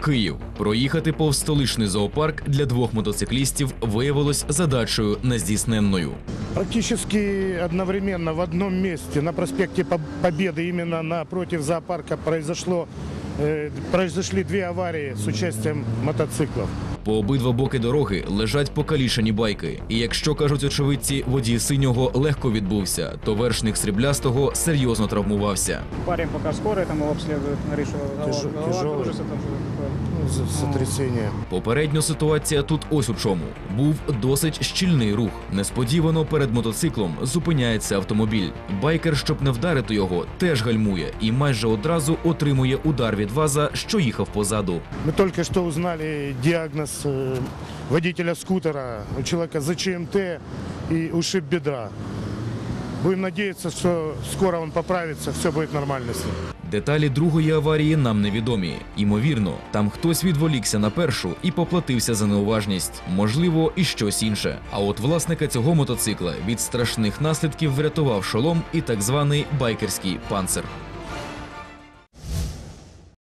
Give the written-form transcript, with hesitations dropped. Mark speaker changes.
Speaker 1: Київ. Проїхати повз столичний зоопарк для двох мотоциклістів виявилось задачею нездійсненною.
Speaker 2: Практически одновременно в одном месте на проспекте Победы, именно напротив зоопарка, произошли две аварии с участием мотоциклов.
Speaker 1: По обидва боки дороги лежать покалічені байки. І якщо, кажуть очевидці, водій синього легко відбувся, то вершник сріблястого серйозно травмувався.
Speaker 3: Парень пока скорой там его обследует, говорит, что голова кружится, там что-то такое.
Speaker 2: Сотрясение.
Speaker 1: Попередньо ситуація тут ось у чому. Був досить щільний рух. Несподівано перед мотоциклом зупиняється автомобіль. Байкер, щоб не вдарити його, теж гальмує і майже одразу отримує удар від ВАЗа, що їхав позаду.
Speaker 2: Мы только что узнали диагноз водителя скутера. У человека ЗЧМТ и ушиб бедра. Будем надеяться, что скоро он поправится, все будет нормально с ним.
Speaker 1: Деталі другої аварії нам невідомі. Імовірно, там хтось відволікся на першу і поплатився за неуважність. Можливо, і щось інше. А от власника цього мотоцикла від страшних наслідків врятував шолом і так званий байкерський панцир.